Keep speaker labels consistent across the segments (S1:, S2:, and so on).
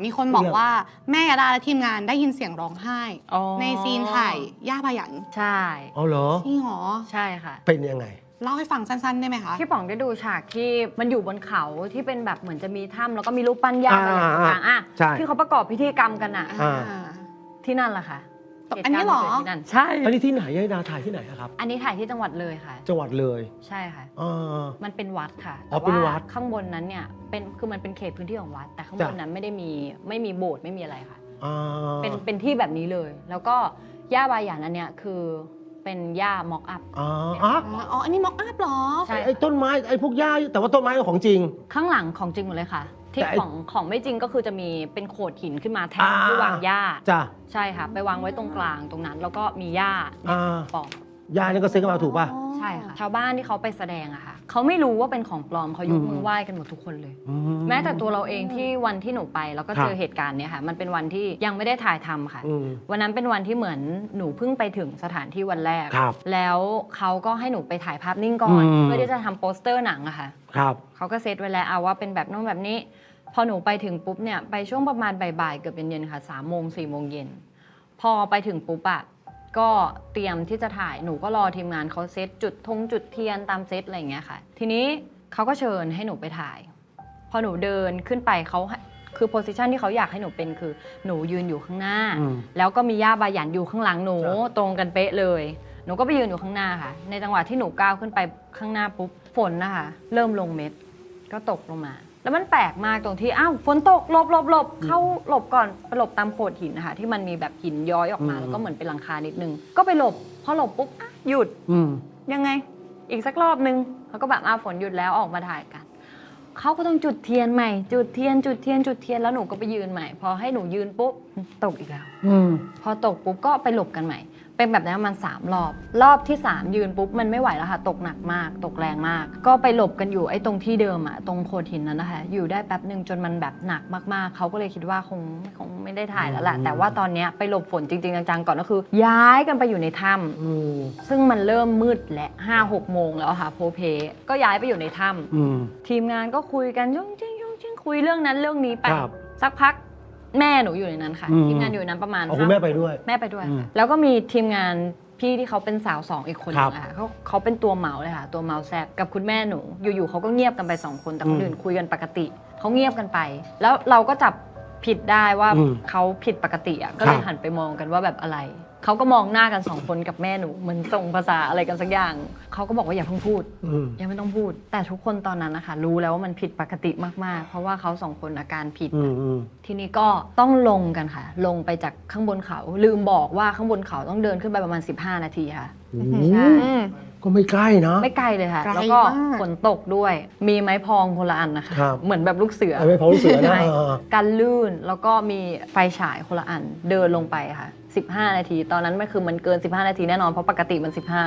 S1: มีคนบอกว่าแม่ยาดาและทีมงานได้ยินเสียงร้องไห้ในซีนถ่ายย่าพยัญ
S2: ใช่
S3: อ๋อเหรอ
S1: จริงเหรอ
S2: ใช่ค่ะ
S3: เป็นยังไง
S1: เล่าให้ฟังสั้นๆได้ไหมคะ
S2: พี่ป๋องได้ดูฉากที่มันอยู่บนเขาที่เป็นแบบเหมือนจะมีถ้ำแล้วก็มีรูปปั้นย่าอะไรต่างๆที่เขาประกอบพิธีกรรมกันอ่ะที่นั่นแหละค่ะ
S1: อันนี้เหรอ
S2: ใช่
S3: อันนี้ที่ไหนยายดาถ่ายที่ไหนครับ
S2: อันนี้ถ่ายที่จังหวัดเลยค่ะ
S3: จังหวัดเลย
S2: ใช่ค่ะมันเป็นวัดค่ะ
S3: เป็นวัด
S2: ข้างบนนั้นเนี่ยคือมันเป็นเขตพื้นที่ของวัดแต่ข้างบนนั้นไม่มีโบสถ์ไม่มีอะไรค่ะเป็นที่แบบนี้เลยแล้วก็ย่าบาหยันอันเนี้ยคือเป็นย่าม็อกอัพ
S1: อันนี้ม็อกอัพเหรอ
S3: ใช่ไอ้ต้นไม้ไอ้พวกหญ้าแต่ว่าต้นไม้ของจริง
S2: ข้างหลังของจริงหมดเลยค่ะที่ของไม่จริงก็คือจะมีเป็นโขดหินขึ้นมาแทนที่วางหญ้าใช่ค่ะไปวางไว้ตรงกลางตรงนั้นแล้วก็มีหญ้าปอก
S3: หญ้านี่ก็ซื้อกันมาถูกป่ะ
S2: ใช่ค่ะชาวบ้านที่เขาไปแสดงอะค่ะเขาไม่รู้ว่าเป็นของปลอมเขายกมือไหว้กันหมดทุกคนเลยแม้แต่ตัวเราเองที่วันที่หนูไปแล้วก็เจอเหตุการณ์เนี้ยค่ะมันเป็นวันที่ยังไม่ได้ถ่ายทำค่ะวันนั้นเป็นวันที่เหมือนหนูเพิ่งไปถึงสถานที่วันแรกแล้วเขาก็ให้หนูไปถ่ายภาพนิ่งก่อนเพื่อที่จะทำโปสเตอร์หนังอะค่ะเขาก็เซตไว้แล้วเอาว่าเป็นแบบโน้นแบบนี้พอหนูไปถึงปุ๊บเนี่ยไปช่วงประมาณบ่ายๆเกือบเย็นๆค่ะ3 โมง 4 โมงเย็นพอไปถึงปุ๊บอะก็เตรียมที่จะถ่ายหนูก็รอทีมงานเขาเซตจุดเทียนตามเซตอะไรอย่างเงี้ยค่ะทีนี้เขาก็เชิญให้หนูไปถ่ายพอหนูเดินขึ้นไปเขาคือโพสิชันที่เขาอยากให้หนูเป็นคือหนูยืนอยู่ข้างหน้าแล้วก็มีย่าบาหยันอยู่ข้างหลังหนูตรงกันเป๊ะเลยหนูก็ไปยืนอยู่ข้างหน้าค่ะในจังหวะที่หนูก้าวขึ้นไปข้างหน้าปุ๊บฝนนะคะเริ่มลงเม็ดก็ตกลงมาแล้วมันแปลกมากตรงที่อ้าวฝนตกหลบเข้าหลบก่อนไปหลบตามโขดหินนะคะที่มันมีแบบหินย้อยออกมาแล้วก็เหมือนเป็นหลังคานิดนึงก็ไปหลบพอหลบปุ๊บหยุดยังไงอีกสักรอบนึงเขาก็แบบฝนหยุดแล้วออกมาถ่ายกันเขาก็ต้องจุดเทียนใหม่จุดเทียนแล้วหนูก็ไปยืนใหม่พอให้หนูยืนปุ๊บตกอีกแล้วพอตกปุ๊บก็ไปหลบกันใหม่เป็นแบบนั้นมัน3 รอบที่3ยืนปุ๊บมันไม่ไหวแล้วค่ะตกหนักมากตกแรงมากก็ไปหลบกันอยู่ไอ้ตรงที่เดิมอะตรงโขดหินนั้นนะคะอยู่ได้แป๊บนึงจนมันแบบหนักมากๆเขาก็เลยคิดว่าคงไม่ได้ถ่ายแล้วแหละแต่ว่าตอนนี้ไปหลบฝนจริงๆจังๆก่อนก็คือย้ายกันไปอยู่ในถ้ำซึ่งมันเริ่มมืดและ5-6 โมงแล้วค่ะโพเพก็ย้ายไปอยู่ในถ้ำทีมงานก็คุยกันยุ่งจิ้งคุยเรื่องนั้นเรื่องนี้ไปสักพักแม่หนูอยู่ในนั้นค่ะทีมงานอยู่ในนั้นประมาณ
S3: คุณแม่ไปด้วย
S2: แล้วก็มีทีมงานพี่ที่เขาเป็นสาว2อีกคนนึงค่ะเขาเป็นตัวเมาเลยค่ะตัวเมาแซบกับคุณแม่หนูอยู่ๆเขาก็เงียบกันไป2 คนแต่คนอื่นคุยกันปกติเขาเงียบกันไปแล้วเราก็จับผิดได้ว่าเขาผิดปกติอ่ะก็เลยหันไปมองกันว่าแบบอะไรเขาก็มองหน้ากัน2 คนกับแม่หนูเหมือนส่งภาษาอะไรกันสักอย่างเขาก็บอกว่าอย่าเพิ่งพูดยังไม่ต้องพูดแต่ทุกคนตอนนั้นนะคะรู้แล้วว่ามันผิดปกติมากๆเพราะว่าเขา2 คนอาการผิดทีนี้ก็ต้องลงกันค่ะลงไปจากข้างบนเขาลืมบอกว่าข้างบนเขาต้องเดินขึ้นไปประมาณ15 นาทีค่ะใช่
S3: ก็ไม่ใกล้นะ
S2: ไม่ไกลเลยค่ะแล้วก็ฝนตกด้วยมีไม้พองคนละอันนะคะเหมือนแบบลูกเสือ
S3: ไม้พองลูกเสือนะ
S2: กันลื่นแล้วก็มีไฟฉายคนละอันเดินลงไปค่ะ15 นาทีตอนนั้นมันเกิน15 นาทีแน่นอนเพราะปกติมัน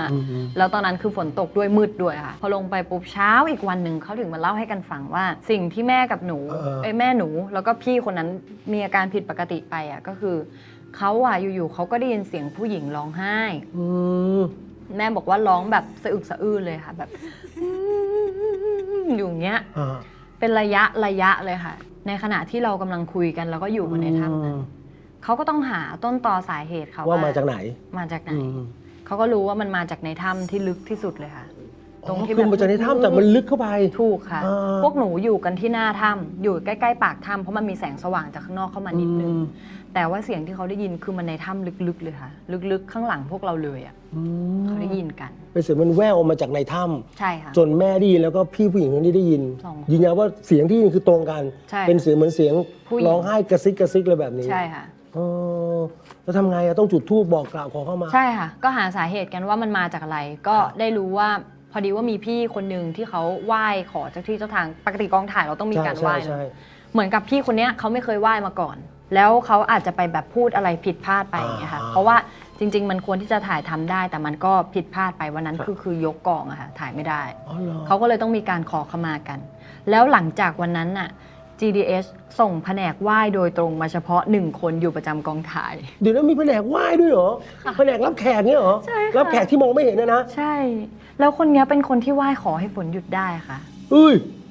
S2: 15แล้วตอนนั้นคือฝนตกด้วยมืดด้วยค่ะพอลงไปปุ๊บเช้าอีกวันหนึ่งเขาถึงมาเล่าให้กันฟังว่าสิ่งที่แม่กับหนูแม่หนูแล้วก็พี่คนนั้นมีอาการผิดปกติไปอ่ะก็คือเขาอยู่ๆเขาก็ได้ยินเสียงผู้หญิงร้องไห้แม่บอกว่าร้องแบบสะอึกสะอื้นเลยค่ะแบบอยู่เงี้ยเป็นระยะเลยค่ะในขณะที่เรากำลังคุยกันแล้วก็อยู่ในถ้ำนั้นเขาก็ต้องหาต้นตอสาเหตุเขา
S3: ว่ามาจากไหน
S2: เขาก็รู้ว่ามันมาจากในถ้ำที่ลึกที่สุดเลยค่ะ
S3: ตรงที่มันมาจากในถ้ำแต่มันลึกเข้าไป
S2: ถูกค่ะพวกหนูอยู่กันที่หน้าถ้ำอยู่ใกล้ๆปากถ้ำเพราะมันมีแสงสว่างจากข้างนอกเข้ามานิดนึงแต่ว่าเสียงที่เขาได้ยินคือมันในถ้ำลึกๆเลยค่ะลึกๆข้างหลังพวกเราเลยอ่ะเขาได้ยินกัน
S3: เป็นเสียงมันแว่วออกมาจากในถ้
S2: ำใช่ค่ะ
S3: จนแม่ได้ยินแล้วก็พี่ผู้หญิงคนนี้ได้ยินยืนยันว่าเสียงที่ยินคือตรงกันเป็นเสียงเหมือนเสียงร้องไห้กระซิกเลยแบบนี้
S2: ใช่ค่ะ
S3: แล้วทำไงต้องจุดธูปบอกกล่าวขอเข้ามา
S2: ใช่ค่ะก็หาสาเหตุกันว่ามันมาจากอะไรก็ได้รู้ว่าพอดีว่ามีพี่คนหนึ่งที่เขาไหว้ขอเจ้าที่เจ้าทางปกติกองถ่ายเราต้องมีการไหว้เหมือนกับพี่คนนี้เขาไม่เคยไหว้มาก่อนแล้วเขาอาจจะไปแบบพูดอะไรผิดพลาดไปอย่างเงี้ยค่ะเพราะว่าจริงๆมันควรที่จะถ่ายทำได้แต่มันก็ผิดพลาดไปวันนั้นคือยกกองอะค่ะถ่ายไม่ได้เขาก็เลยต้องมีการขอขมากันแล้วหลังจากวันนั้นน่ะGDH ส่งแผนกไหว้โดยตรงมาเฉพาะ1 คนอยู่ประจำกองถ่าย
S3: เดี๋ยวนั้นมีแผนกไหว้ด้วยเหรอแผนกรับแขกเนี่ยเหรอ
S2: ใช่
S3: รับแขกที่มองไม่เห็นนะ
S2: ใช่แล้วคนนี้เป็นคนที่ไหว้ขอให้ฝนหยุดได้ค่ะ
S3: เอ้ย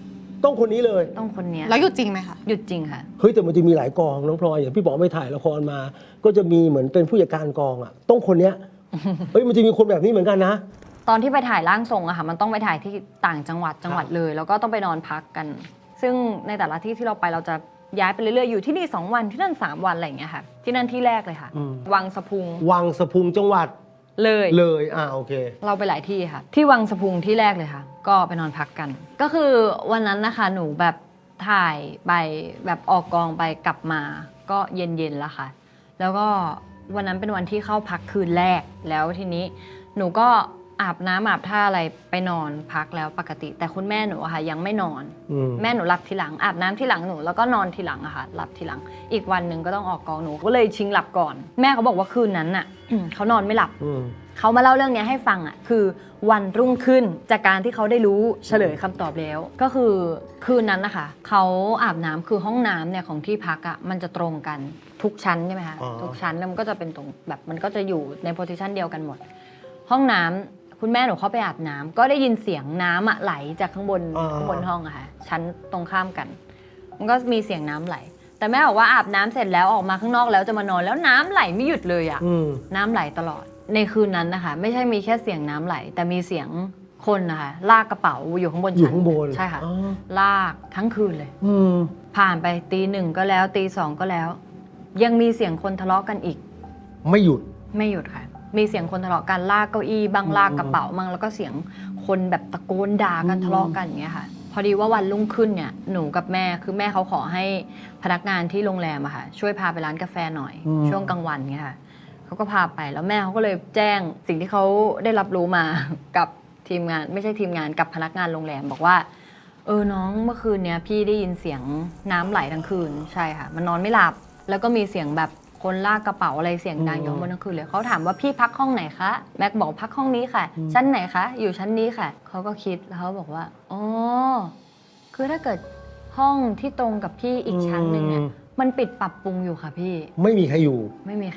S3: ต้องคนนี้เลย
S2: ต้องคนเนี้ย
S1: แล้วหยุดจริงไหมคะ
S2: หยุดจริงค่ะ
S3: เฮ้ยแต่มันจะมีหลายกองน้องพลอยอย่างพี่บอกไปถ่ายละครมา ก็จะมีเหมือนเป็นผู้จัดการกองอ่ะต้องคนเนี้ย เฮ้ยมันจะมีคนแบบนี้เหมือนกันนะ
S2: ตอนที่ไปถ่ายร่างทรงอะค่ะมันต้องไปถ่ายที่ต่างจังหวัดเลย แล้วก็ต้องไปนอนพักกัน ซึ่งในแต่ละที่ที่เราไปเราจะย้ายไปเรื่อยๆอยู่ที่นี่2 วันที่นั่น3 วันอะไรอย่างเงี้ยค่ะที่นั่นที่แรกเลยค่ะ วังสะพุง
S3: วังสะพุงจังหวัด
S2: เลย
S3: โอเค
S2: เราไปหลายที่ค่ะ ที่วังสะพุงที่แรกเลยค่ะ ก็ไปนอนพักกัน ก็คือวันนั้นนะคะหนูแบบถ่ายไปแบบออกกองไปกลับมาก็เย็นๆแล้วค่ะ แล้วก็วันนั้นเป็นวันที่เข้าพักคืนแรกแล้วทีนี้หนูก็อาบน้ำอาบท่าอะไรไปนอนพักแล้วปกติ แต่คุณแม่หนูอะค่ะยังไม่นอนแม่หนูหลับทีหลังอาบน้ำทีหลังหนูแล้วก็นอนทีหลังอะค่ะหลับทีหลังอีกวันหนึ่งก็ต้องออกกองหนูก็เลยชิงหลับก่อนแม่เขาบอกว่าคืนนั้นน่ะ เขานอนไม่หลับเขามาเล่าเรื่องนี้ให้ฟังอ่ะคือวันรุ่งขึ้นจากการที่เขาได้รู้เฉลยคำตอบแล้วก็คือคืนนั้นนะคะเขาอาบน้ำคือห้องน้ำเนี่ยของที่พักอ่ะมันจะตรงกันทุกชั้นใช่ไหมคะทุกชั้นแล้วมันก็จะเป็นตรงแบบมันก็จะอยู่ในโพสิชันเดียวกันหมดห้องน้ำคุณแม่หนูเข้าไปอาบน้ำก็ได้ยินเสียงน้ำไหลจากข้างบนห้องอะค่ะชั้นตรงข้ามกันมันก็มีเสียงน้ำไหลแต่แม่บอกว่าอาบน้ำเสร็จแล้วออกมาข้างนอกแล้วจะมานอนแล้วน้ำไหลไม่หยุดเลยอะน้ำไหลตลอดในคืนนั้นนะคะไม่ใช่มีแค่เสียงน้ำไหลแต่มีเสียงคนนะคะลากกระเป๋าอยู่ข้างบนชั้นใช่ค่ะลากทั้งคืนเลยผ่านไปตี 1ก็แล้วตี 2ก็แล้วยังมีเสียงคนทะเลาะกันอีก
S3: ไม่หยุด
S2: ค่ะมีเสียงคนทะเลาะกันลากเก้าอี้บ้างลากกระเป๋าบ้างแล้วก็เสียงคนแบบตะโกนด่ากันทะเลาะกันอย่างเงี้ยค่ะพอดีว่าวันรุ่งขึ้นเนี่ยหนูกับแม่คือแม่เขาขอให้พนักงานที่โรงแรมอะค่ะช่วยพาไปร้านกาแฟหน่อยช่วงกลางวันเงี้ยค่ะเขาก็พาไปแล้วแม่เขาก็เลยแจ้งสิ่งที่เขาได้รับรู้มา กับทีมงานไม่ใช่ทีมงานกับพนักงานโรงแรมบอกว่าน้องเมื่อคืนเนี้ยพี่ได้ยินเสียงน้ำไหลทั้งคืนใช่ค่ะมันนอนไม่หลับแล้วก็มีเสียงแบบคนลากกระเป๋าอะไรเสียงดังอยู่บนทั้งคืนเลยเขาถามว่าพี่พักห้องไหนคะแม็กบอกพักห้องนี้ค่ะชั้นไหนคะอยู่ชั้นนี้ค่ะเขาก็คิดแล้วเขาบอกว่าอ๋อคือถ้าเกิดห้องที่ตรงกับพี่อีกชั้นหนึ่งเนี่ยมันปิดปรับปรุงอยู่ค่ะพี่
S3: ไม่มีใครอยู่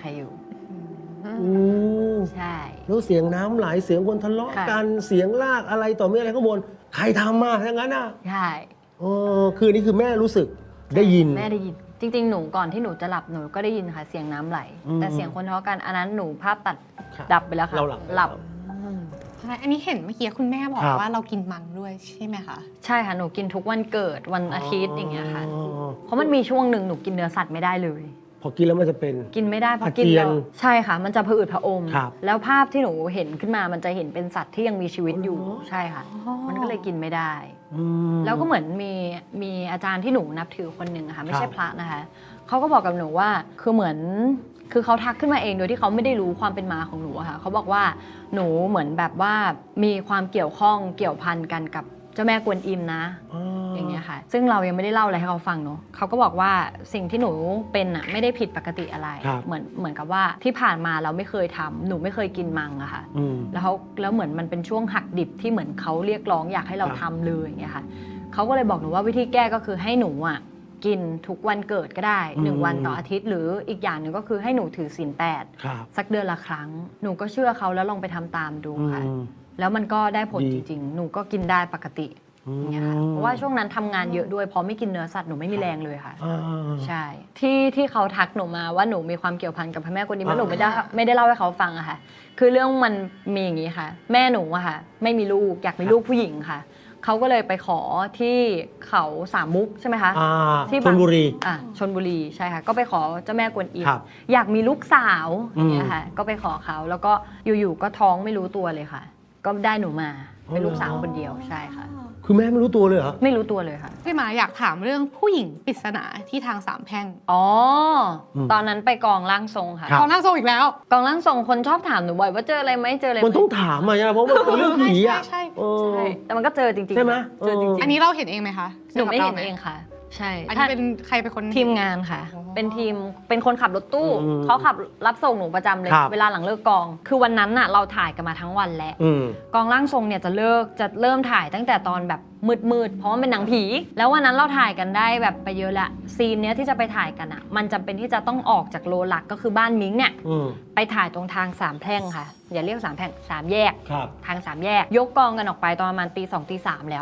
S2: ใช่
S3: แล้วเสียงน้ำไหลเสียงคนทะเลาะกันเสียงลากอะไรต่อไม่อะไรข้างบนใครทำมาทั้งนั้นอ่ะ
S2: ใช่
S3: คือนี่คือแม่รู้สึกได้ยิน
S2: แม่ได้ยินจริงๆหนูก่อนที่หนูจะหลับหนูก็ได้ยินค่ะเสียงน้ำไหลแต่เสียงคนทะเลาะกันอันนั้นหนูภาพตัดดับไปแล้วค่ะหลับ
S1: อันนี้เห็นเมื่อกี้คุณแม่บอกว่าเรากินมังด้วยใช่ไหมคะ
S2: ใช่ค่ะหนูกินทุกวันเกิดวันอาทิตย์อย่างเงี้ยค่ะเพราะมันมีช่วงหนึ่งหนูกินเนื้อสัตว์ไม่ได้เลย
S3: พอกินแล้วมันจะเป็น
S2: กินไม่ได้พอกินแล้วใช่ค่ะมันจะผะอืดผะอมแล้วภาพที่หนูเห็นขึ้นมามันจะเห็นเป็นสัตว์ที่ยังมีชีวิตอยู่ใช่ค่ะมันก็เลยกินไม่ได้แล้วก็เหมือนมีอาจารย์ที่หนูนับถือคนหนึ่งค่ะไม่ใช่พระนะคะเขาก็บอกกับหนูว่าคือเหมือนคือเขาทักขึ้นมาเองโดยที่เขาไม่ได้รู้ความเป็นมาของหนูค่ะเขาบอกว่าหนูเหมือนแบบว่ามีความเกี่ยวข้องเกี่ยวพันกันกับเจ้าแม่กวนอิมนะอย่างเงี้ยค่ะซึ่งเรายังไม่ได้เล่าอะไรให้เขาฟังเนาะเขาก็บอกว่าสิ่งที่หนูเป็นอ่ะไม่ได้ผิดปกติอะไรเหมือนกับว่าที่ผ่านมาเราไม่เคยทำหนูไม่เคยกินมังอะค่ะแล้วเหมือนมันเป็นช่วงหักดิบที่เหมือนเขาเรียกร้องอยากให้เราทำเลยอย่างเงี้ยค่ะเขาก็เลยบอกหนูว่าวิธีแก้ก็คือให้หนูอ่ะกินทุกวันเกิดก็ได้1 วันต่ออาทิตย์หรืออีกอย่างหนึ่งก็คือให้หนูถือศีล 8สักเดือนละครั้งหนูก็เชื่อเขาแล้วลองไปทำตามดูค่ะแล้วมันก็ได้ผลจริงๆหนูก็กินได้ปกติอย่างเงี้ยค่ะเพราะว่าช่วงนั้นทำงานเยอะด้วยพอไม่กินเนื้อสัตว์หนูไม่มีแรงเลยค่ะใช่ที่เขาทักหนูมาว่าหนูมีความเกี่ยวพันกับพระแม่กวนอิมแล้วหนูไม่ได้เล่าให้เขาฟังอะค่ะคือเรื่องมันมีอย่างนี้ค่ะแม่หนูอะค่ะไม่มีลูกอยากมีลูกผู้หญิงค่ะเขาก็เลยไปขอที่เขาสามมุกใช่ไหมคะ
S3: ที่ชลบุรี
S2: ชลบุรีใช่ค่ะก็ไปขอเจ้าแม่กวนอิมอยากมีลูกสาวอย่างเงี้ยค่ะก็ไปขอเขาแล้วก็อยู่ๆก็ท้องไม่รู้ตัวเลยค่ะก็ได้หนูมาเป็นลูกสาวคนเดียวใช่ค่ะ
S3: คือแม่ไม่รู้ตัวเลยเหรอ
S2: ไม่รู้ตัวเลยค่ะ
S1: พี่หมาอยากถามเรื่องผู้หญิงปริศนาที่ทางสามแพร่ง
S2: ตอนนั้นไปกองร่างทรงค่ะ
S1: กองร่างทรงอีกแล้ว
S2: กองร่างทรงคนชอบถามหนูบ่อยว่าเจออะไรไหมเจออะไร
S3: มันต้องถามอะเพราะมันเป็นเรื่องผีอะ
S1: ใช่
S2: แต่มันก็เจอจริงๆ
S3: ใช่ไหม
S2: เจอจริงๆ
S1: อันนี้เราเห็นเองไหมคะ
S2: หนูไม่เห็นเองค่ะใช่
S1: อันนี้เป็นใครเป็นคน
S2: ทีมงานค่ะเป็นคนขับรถตู้เขาขับรับส่งหนูประจำเลยเวลาหลังเลิกกองคือวันนั้นน่ะเราถ่ายกันมาทั้งวันแล้วกองร่างทรงเนี่ยจะเริ่มถ่ายตั้งแต่ตอนแบบมืดเพราะว่าเป็นหนังผีแล้ววันนั้นเราถ่ายกันได้แบบไปเยอะละซีนเนี้ยที่จะไปถ่ายกันอ่ะมันจำเป็นที่จะต้องออกจากโลหลักก็คือบ้านมิ้งเนี่ยไปถ่ายตรงทางสามแพร่งค่ะอย่าเรียกสามแพร่ง3 แยกทาง3 แยกยกกองกันออกไปตอนประมาณตี 2 ตี 3แล้วค่ะ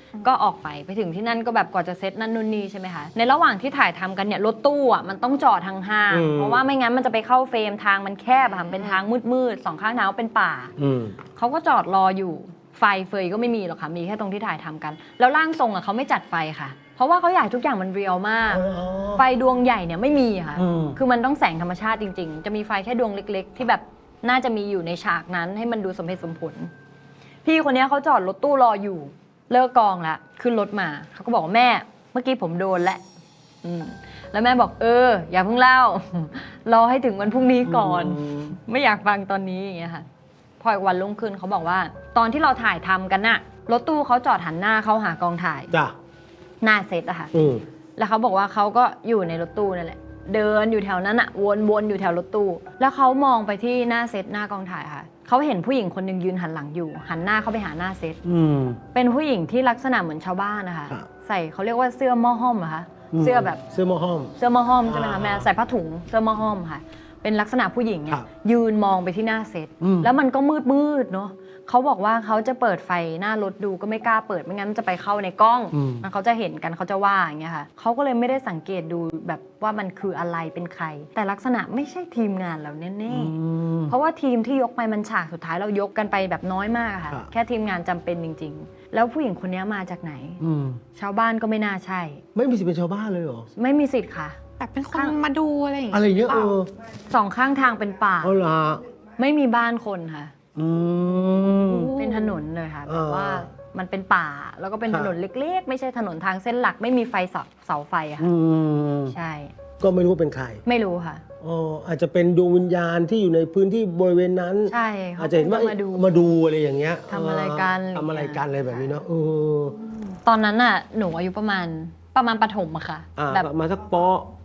S2: ก็ออกไปถึงที่นั่นก็แบบก่อนจะเซตนั่นนู่นนี่ใช่ไหมคะในระหว่างที่ถ่ายทำกันเนี่ยรถตู้อ่ะมันต้องจอดทางห้างเพราะว่าไม่งั้นมันจะไปเข้าเฟรมทางมันแคบค่ะเป็นทางมืดๆ2ข้างทางเป็นป่าเขาก็จอดรออยู่ไฟเฟยก็ไม่มีหรอกค่ะมีแค่ตรงที่ถ่ายทำกันแล้วร่างทรงอ่ะเขาไม่จัดไฟค่ะเพราะว่าเขาอยากทุกอย่างมันเรียลมากไฟดวงใหญ่เนี่ยไม่มีค่ะคือมันต้องแสงธรรมชาติจริงๆจะมีไฟแค่ดวงเล็กๆที่แบบน่าจะมีอยู่ในฉากนั้นให้มันดูสมเหตุสมผลพี่คนนี้เขาจอดรถตู้รออยู่เลิกกองแล้วขึ้นรถมาเขาก็บอกว่าแม่เมื่อกี้ผมโดนแล้วแล้วแม่บอกอย่าเพิ่งเล่ารอให้ถึงวันพรุ่งนี้ก่อนไม่อยากฟังตอนนี้อย่างเงี้ยค่ะพออีกวันรุ่งขึ้นเขาบอกว่าตอนที่เราถ่ายทำกันน่ะรถตู้เขาจอดหันหน้าเข้าหากองถ่าย
S3: จ้ะ
S2: หน้าเซตอะค่ะแล้วเขาบอกว่าเขาก็อยู่ในรถตู้นั่นแหละเดินอยู่แถวนั้นอะวนๆอยู่แถวรถตู้แล้วเขามองไปที่หน้าเซตหน้ากองถ่ายค่ะเขาเห็นผู้หญิงคนหนึ่งยืนหันหลังอยู่หันหน้าเข้าไปหาหน้าเซตเป็นผู้หญิงที่ลักษณะเหมือนชาวบ้านนะคะใส่เขาเรียกว่าเสื้อหม้อห้อมอะคะเสื้อแบบ
S3: เสื้อหม้อห้อม
S2: ใช่ไหมคะแม่ใส่ผ้าถุงเสื้อหม้อห้อมค่ะเป็นลักษณะผู้หญิงเนี่ยยืนมองไปที่หน้าเซตแล้วมันก็มืดเนาะเขาบอกว่าเขาจะเปิดไฟหน้ารถดูก็ไม่กล้าเปิดไม่งั้นมันจะไปเข้าในกล้องมันเขาจะเห็นกันเขาจะว่าอย่างเงี้ยค่ะเขาก็เลยไม่ได้สังเกตดูแบบว่ามันคืออะไรเป็นใครแต่ลักษณะไม่ใช่ทีมงานเราแน่ๆเพราะว่าทีมที่ยกไปมันฉากสุดท้ายเรายกกันไปแบบน้อยมากค่ะแค่ทีมงานจำเป็นจริงๆแล้วผู้หญิงคนนี้มาจากไหนชาวบ้านก็ไม่น่าใช่
S3: ไม่มีสิทธิ์เป็นชาวบ้านเลยเหรอ
S2: ไม่มีสิทธิ์ค่ะ
S1: แบบเป็นคนมาดูอะไรอย่างเงี้ย
S3: อะไรเงี้ย
S2: สองข้างทางเป็นป่าไม่มีบ้านคนค่ะเป็นถนนเลยค่ะแบบว่ามันเป็นป่าแล้วก็เป็นถนนเล็กๆไม่ใช่ถนนทางเส้นหลักไม่มีไฟเสาไฟอะค่ะใช่
S3: ก็ไม่รู้ว่าเป็นใคร
S2: ไม่รู้ค่ะ
S3: อาจจะเป็นดวงวิญญาณที่อยู่ในพื้นที่บริเวณนั้น
S2: ใช่
S3: อาจจะเห็นว่ามาดูอะไรอย่างเงี้ย
S2: ทำอะไรกัน
S3: อะไรแบบนี้เนาะ
S2: ตอนนั้นน่ะหนูอายุประมาณประถมอะค่ะ
S3: แบบมาสักป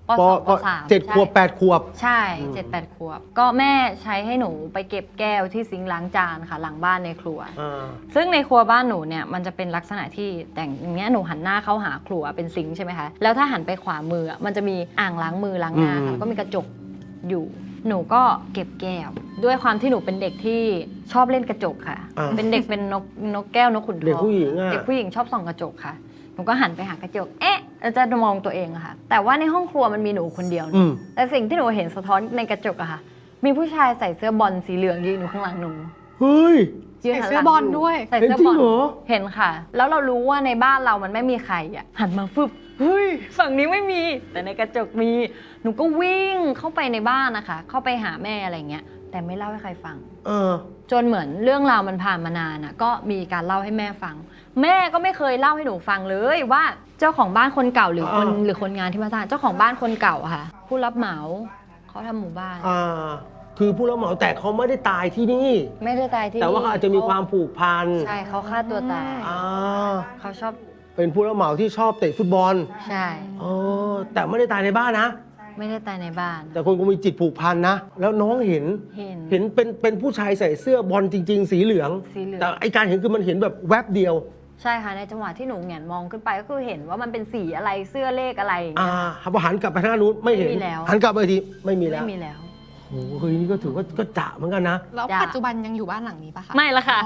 S2: .3
S3: 7 ขวบ 8 ขวบ
S2: ใช่ 7-8 ขวบก็แม่ใช้ให้หนูไปเก็บแก้วที่ซิงค์ล้างจานค่ะหลังบ้านในครัวซึ่งในครัวบ้านหนูเนี่ยมันจะเป็นลักษณะที่แต่งอย่างเงี้ยหนูหันหน้าเข้าหาครัวเป็นซิงค์ใช่ไหมคะแล้วถ้าหันไปขวามือมันจะมีอ่างล้างมือล้างหน้าค่ะก็มีกระจกอยู่หนูก็เก็บแก้วด้วยความที่หนูเป็นเด็กที่ชอบเล่นกระจกค่ะเป็นเด็กเป็นนกแก้วนกขุนทองเด็กผู้หญิงชอบส่องกระจกค่ะหนูก็หันไปหากระจกจะมองตัวเองอะค่ะแต่ว่าในห้องครัวมันมีหนูคนเดียวแต่สิ่งที่หนูเห็นสะท้อนในกระจกอะค่ะมีผู้ชายใส่เสื้อบอลสีเหลืองยืนอยู่ข้างหลังหนู
S3: เฮ้ย
S1: ใส่เสื้อบอลด้วย
S2: ใส่เสื้อบอลเห็นค่ะแล้วเรารู้ว่าในบ้านเรามันไม่มีใครอะหันมาฟึบเฮ้ยฝั่งนี้ไม่มีแต่ในกระจกมีหนูก็วิ่งเข้าไปในบ้านนะคะเข้าไปหาแม่อะไรเงี้ยแต่ไม่เล่าให้ใครฟังจนเหมือนเรื่องราวมันผ่านมานานก็มีการเล่าให้แม่ฟังแม่ก็ไม่เคยเล่าให้หนูฟังเลยว่าเจ้าของบ้านคนเก่าหรือคนงานที่มาสร้างเจ้าของบ้านคนเก่าค่ะผู้รับเหมาเขาทำหมู่บ้าน
S3: คือผู้รับเหมาแต่เขาไม่ได้ตายที่นี่
S2: ไม่ได้ตายที่นี่
S3: แต่ว่าเขาอาจจะมีความผูกพัน
S2: ใช่เขาฆ่าตัวตายเขาชอบ
S3: เป็นผู้รับเหมาที่ชอบเตะฟุตบอล
S2: ใช่
S3: แต่ไม่ได้ตายในบ้านนะ
S2: ไม่ได้ตายในบ้าน
S3: แต่คนก็มีจิตผูกพันนะแล้วน้องเห็นเป็นผู้ชายใส่เสื้อบอลจริงๆสีเหลืองแต่ไอการเห็นคือมันเห็นแบบแวบเดียว
S2: ใช่ค่ะในจังหวะที่หนูแหงนมองขึ้นไปก็คือเห็นว่ามันเป็นสีอะไรเสื้อเลขอะไร
S3: พอหันกลับไปทางนู้นไม่เห็นหันกลับไปทีไม่มีแล้วโอ้โหนี่ก็ถือว่าก็จะเหมือนกันนะ
S1: แล้วปัจจุบันยังอยู่บ้านหลังนี้ปะคะ
S2: ไม่ละค่ะ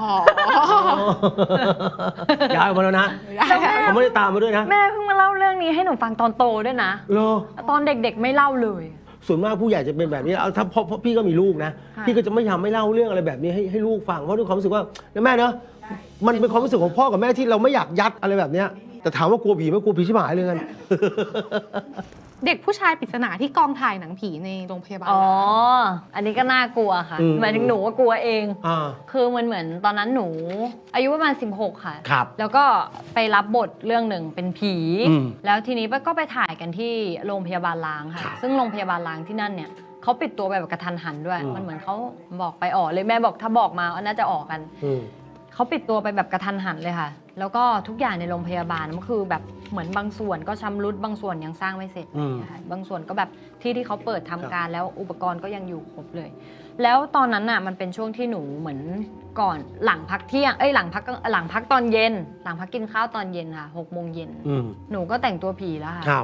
S3: ย้ายมาแล้วนะเขาไม่ได้ตามมาด้วยนะ
S2: แม่เพิ่งมาเล่าเรื่องนี้ให้หนูฟังตอนโตด้วยนะตอนเด็กๆไม่เล่าเลย
S3: ส่วนมากผู้ใหญ่จะเป็นแบบนี้ถ้าเพราะพี่ก็มีลูกนะพี่ก็จะไม่เล่าเรื่องอะไรแบบนี้ให้ลูกฟังเพราะด้วยความรู้สึกว่าแม่เนอะมันเป็นความรู้สึกของพ่อกับแม่ที่เราไม่อยากยัดอะไรแบบนี้แต่ถามว่ากลัวผีไหมกลัวผีชิบหายเลยกัน
S1: เด็กผู้ชายปริศนาที่กองถ่ายหนังผีในโรงพยาบาล
S2: อันนี้ก็น่ากลัวค่ะหมายถึงหนูว่ากลัวเองคือมันเหมือนตอนนั้นหนูอายุประมาณ16ค่ะแล้วก็ไปรับบทเรื่องหนึ่งเป็นผีแล้วทีนี้ก็ไปถ่ายกันที่โรงพยาบาลล้างค่ะซึ่งโรงพยาบาลล้างที่นั่นเนี่ยเขาปิดตัวแบบกระทันหันด้วยมันเหมือนเขาบอกไปออกเลยแม่บอกถ้าบอกมาน่าจะออกกันเขาปิดตัวไปแบบกระทันหันเลยค่ะแล้วก็ทุกอย่างในโรงพยาบาลมันคือแบบเหมือนบางส่วนก็ชำรุดบางส่วนยังสร้างไม่เสร็จบางส่วนก็แบบที่เขาเปิดทำการแล้วอุปกรณ์ก็ยังอยู่ครบเลยแล้วตอนนั้นน่ะมันเป็นช่วงที่หนูเหมือนก่อนหลังพักเที่ยงหลังพักตอนเย็นหลังพักกินข้าวตอนเย็นค่ะ6 โมงเย็นหนูก็แต่งตัวผีแล้วค่ะ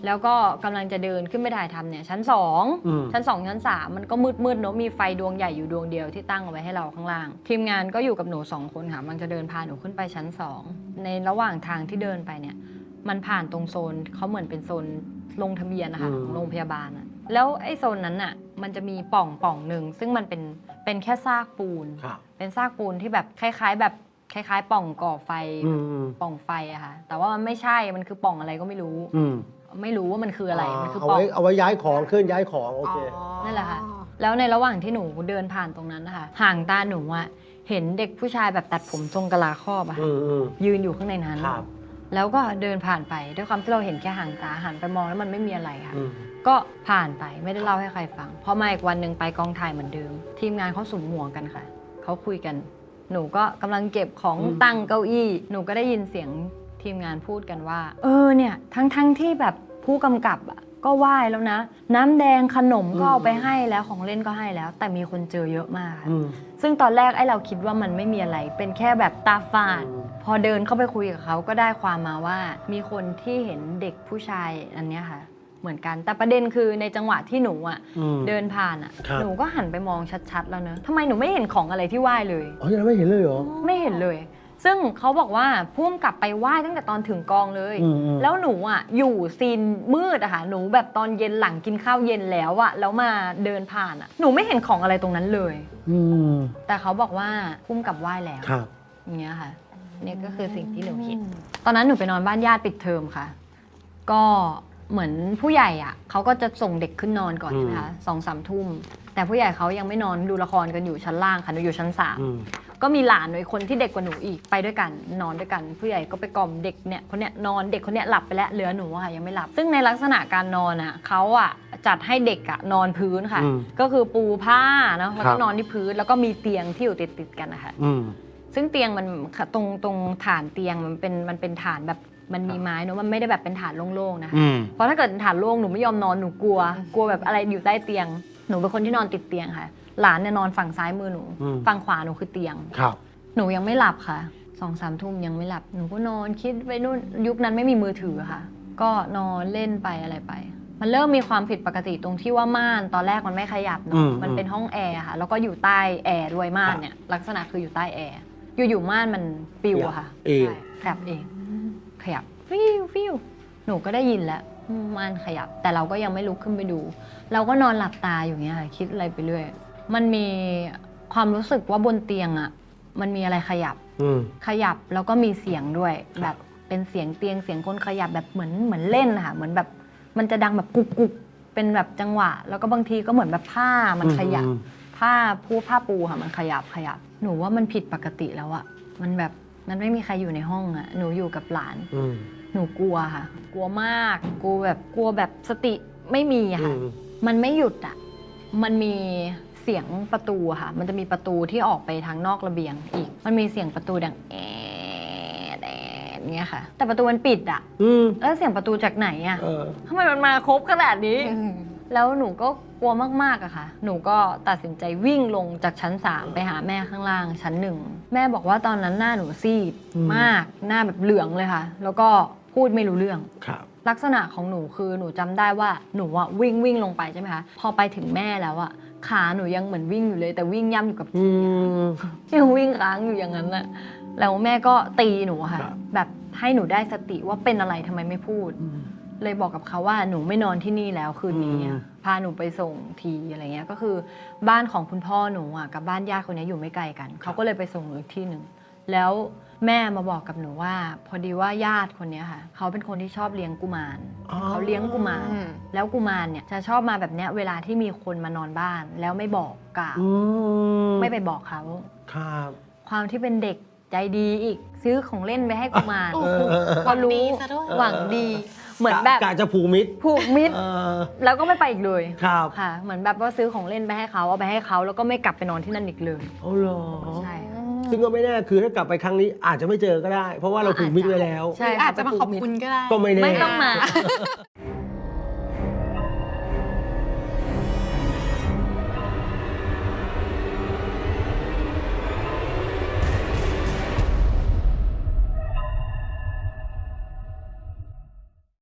S2: แล้วก็กำลังจะเดินขึ้นไปถ่ายทำเนี่ยชั้น
S3: อืม
S2: 2ชั้น 2 ชั้น 3มันก็มืดๆเนอะมีไฟดวงใหญ่อยู่ดวงเดียวที่ตั้งเอาไว้ให้เราข้างล่างทีมงานก็อยู่กับหนู2 คนค่ะมันจะเดินพาหนูขึ้นไปชั้น 2ในระหว่างทางที่เดินไปเนี่ยมันผ่านตรงโซนเขาเหมือนเป็นโซนลงทะเบียนนะคะของโรงพยาบาลอะแล้วไอ้โซนนั้นน่ะมันจะมีป่องหนึ่งซึ่งมันเป็นแค่ซากปูน
S3: ครับ
S2: เป็นซากปูนที่แบบคล้ายๆป่องก่อไฟ
S3: อืม
S2: ป่องไฟอะค่ะแต่ว่ามันไม่ใช่มันคือป่องอะไรก็ไม่รู้
S3: อืม
S2: ไม่รู้ว่ามันคืออะไรมันคือ
S3: เอา
S2: ป่อง
S3: ไว้เอาไว้ย้ายของเคลื่อนย้ายของโอเค
S2: นั่นแหละค่ะ แล้วในระหว่างที่หนูเดินผ่านตรงนั้นนะคะห่างตาหนูอะเห็นเด็กผู้ชายแบบตัดผมทรงกะลาครอบอะค่ะ
S3: อืม
S2: ยืนอยู่ข้างในนั้น
S3: ครับ
S2: แล้วก็เดินผ่านไปด้วยความที่เราเห็นแค่ห่างตาหันไปมองแล้วมันไม่มีอะไรค่ะ
S3: อืม
S2: ก็ผ่านไปไม่ได้เล่าให้ใครฟังพอมาอีกวันหนึ่งไปกองถ่ายเหมือนเดิม ทีมงานเขาสุมหัวกันค่ะเขาคุยกัน หนูก็กำลังเก็บของตั้งเก้าอี้หนูก็ได้ยินเสียงทีมงานพูดกันว่าเนี่ยทั้งที่แบบผู้กำกับอะก็ไหว้แล้วนะ น้ำแดงขนมก็เอาไปให้แล้วของเล่นก็ให้แล้ว แต่มีคนเจอเยอะมากค่ะ
S3: อืม
S2: ซึ่งตอนแรกไอ้เราคิดว่ามันไม่มีอะไร เป็นแค่แบบตาฝาด
S3: อืม
S2: พอเดินเข้าไปคุยกับเขาก็ได้ความมาว่า มีคนที่เห็นเด็กผู้ชายอันเนี้ยค่ะ เหมือนกัน แต่ประเด็นคือในจังหวะที่หนูอ่ะ
S3: อืม
S2: เดินผ่านอ่ะ
S3: ครับ
S2: หนูก็หันไปมองชัดๆแล้วเนอะทำไมหนูไม่เห็นของอะไรที่ไหว้เลย
S3: อ๋อยังไม่เห็นเลยเหรอ
S2: ไม่เห็นเลย ซึ่งเขาบอกว่าพุ่มกลับไปไหว้ตั้งแต่ตอนถึงกองเลย
S3: อืม
S2: แล้วหนูอ่ะอยู่ซีนมืดอะค่ะ หนูแบบตอนเย็นหลังกินข้าวเย็นแล้วอะแล้วมาเดินผ่านอะหนูไม่เห็นของอะไรตรงนั้นเลย
S3: อืม
S2: แต่เขาบอกว่าพุ่มกลับไหว้แล้ว
S3: ครับ
S2: อย่างเงี้ยค่ะนี่ก็คือสิ่งที่หนูคิด ตอนนั้นหนูไปนอนบ้านญาติปิดเทอมค่ะ ก็เหมือนผู้ใหญ่อะเขาก็จะส่งเด็กขึ้นนอนก่อน
S3: อืม
S2: ใช่ไหมคะ2-3 ทุ่ม แต่ผู้ใหญ่เขายังไม่นอนดูละครกันอยู่ชั้นล่างค่ะหนูอยู่ชั้น
S3: อืม
S2: 3ก็มีหลานหนูอีกคนที่เด็กกว่าหนูอีกไปด้วยกันนอนด้วยกัน ผู้ใหญ่ก็ไปกล่อมเด็กเนี่ยคนเนี้ยนอนเด็กคนเนี้ยหลับไปแล้วเหลือหนูอะค่ะยังไม่หลับ ซึ่งในลักษณะการนอนอะเขาอะจัดให้เด็กอะนอนพื้นค่ะ
S3: อืม
S2: ก็คือปูผ้าเนาะแล้ว
S3: ครั
S2: ก็
S3: บ
S2: นอนที่พื้นแล้วก็มีเตียงที่อยู่ติดกันนะคะ
S3: อืม
S2: ซึ่งเตียงมันตรงฐานเตียงมันเป็นฐานแบบมันมีไม้เนอะมันไม่ได้แบบเป็นฐานโล่งๆนะคะ
S3: อืม
S2: เพราะถ้าเกิดฐานโล่งหนูไม่ยอมนอนหนูกลัวแบบอะไรอยู่ใต้เตียงหนูเป็นคนที่นอนติดเตียงค่ะ หลานเนี่ยนอนฝั่งซ้ายมือหนู
S3: อืม
S2: ฝั่งขวาหนูคือเตียง
S3: ครับ
S2: หนูยังไม่หลับค่ะ2-3 ทุ่มยังไม่หลับหนูก็นอนคิดไปนู่นยุคนั้นไม่มีมือถือค่ะ ก็นอนเล่นไปอะไรไป มันเริ่มมีความผิดปกติตรงที่ว่าม่านตอนแรกมันไม่ขยับ
S3: อื
S2: เนาะ
S3: ม
S2: มันเป็นห้องแอร์ค่ะแล้วก็อยู่ใต้แอร์ด้วยม่านเนี่ยลักษณะคืออยู่ใต้แอร์อยู่ๆม่านมันปิวอะค่ะ
S3: เอง
S2: ใช่ขยับเองขยับฟิวหนูก็ได้ยินแล้วม่านขยับ แต่เราก็ยังไม่ลุกขึ้นไปดู เราก็นอนหลับตาอยู่เงี้ยค่ะคิดอะไรไปเรื่อยมันมีความรู้สึกว่าบนเตียงอะมันมีอะไรขยับ
S3: อืม
S2: ขยับแล้วก็มีเสียงด้วยแบบเป็นเสียงเตียงเสียงคนขยับแบบเหมือนเล่นค่ะเหมือนแบบมันจะดังแบบกุกกุกเป็นแบบจังหวะ แล้วก็บางทีก็เหมือนแบบผ้ามันขยับ ผ้าปูค่ะมันขยับหนูว่ามันผิดปกติแล้วอะมันแบบมันไม่มีใครอยู่ในห้องอะหนูอยู่กับหลาน
S3: อืม
S2: หนูกลัวค่ะ กลัวมากกลัวแบบสติไม่มีอะค่ะ
S3: อืม
S2: มันไม่หยุดอะมันมีเสียงประตูอะค่ะ มันจะมีประตูที่ออกไปทางนอกระเบียงอีก มันมีเสียงประตูดังแอดเงี้ยค่ะ แต่ประตูมันปิดอะ
S3: อืม
S2: แล้วเสียงประตูจากไหนอะ
S3: เออ
S2: ทำไมมันมาครบขนาดนี้ แล้วหนูก็กลัวมากๆอะค่ะ หนูก็ตัดสินใจวิ่งลงจากชั้น 3 ไปหาแม่ข้างล่างชั้น 1 แม่บอกว่าตอนนั้นหน้าหนูซีด
S3: อืม
S2: มาก หน้าแบบเหลืองเลยค่ะ แล้วก็พูดไม่รู้เรื่อง
S3: ครับ
S2: ลักษณะของหนูคือหนูจำได้ว่าหนูอะวิ่งลงไปใช่ไหมคะ พอไปถึงแม่แล้วอะขาหนูยังเหมือนวิ่งอยู่เลย แต่วิ่งย่ำอยู่กับ
S3: อื
S2: ที่
S3: ม
S2: ยังวิ่งค้างอยู่อย่างนั้นแหละแล้วแม่ก็ตีหนูอะค่ะ
S3: ครับ
S2: แบบให้หนูได้สติว่าเป็นอะไรทำไมไม่พูด เลยบอกกับเขาว่าหนูไม่นอนที่นี่แล้วคืนนี้อะพาหนูไปส่งทีอะไรเงี้ยก็คือบ้านของคุณพ่อหนูอ่ะกับบ้านญาติคนนี้อยู่ไม่ไกลกันเขาก็เลยไปส่งหนูอีกที่หนึ่งแล้วแม่มาบอกกับหนูว่า พอดีว่าญาติคนนี้ค่ะเขาเป็นคนที่ชอบเลี้ยงกุมาร
S3: อ๋อ
S2: เขาเลี้ยงกุมารแล้วกุมารเนี่ยจะชอบมาแบบเนี้ยเวลาที่มีคนมานอนบ้านแล้วไม่บอกกล่าว
S3: อืม
S2: ไม่ไปบอกเขา
S3: ครับ
S2: ความที่เป็นเด็กใจดีอีกซื้อของเล่นไปให้กุมาร
S1: โอ้โห
S2: พอรู้
S1: ดีซะด้วย
S2: หวังดีเหมือนแบบ
S3: กะจะผูกมิตร
S2: ผูกมิตร
S3: เออ
S2: แล้วก็ไม่ไปอีกเลย
S3: ครับ
S2: ค่ะ เหมือนแบบว่าซื้อของเล่นไปให้เขาเอาไปให้เขาแล้วก็ไม่กลับไปนอนที่นั่นอีกเลย
S3: เอาเหรอ
S2: ใช่ค่ะ
S3: ซึ่งก็ไม่แน่คือถ้ากลับไปครั้งนี้อาจจะไม่เจอก็ได้ เพราะว่าเราผูกมิตรไว้แล้ว
S2: ใช่
S1: หรืออาจจะมาขอบคุณก็ได้
S3: ก็ไม่แน่
S2: ไม่ต้องมา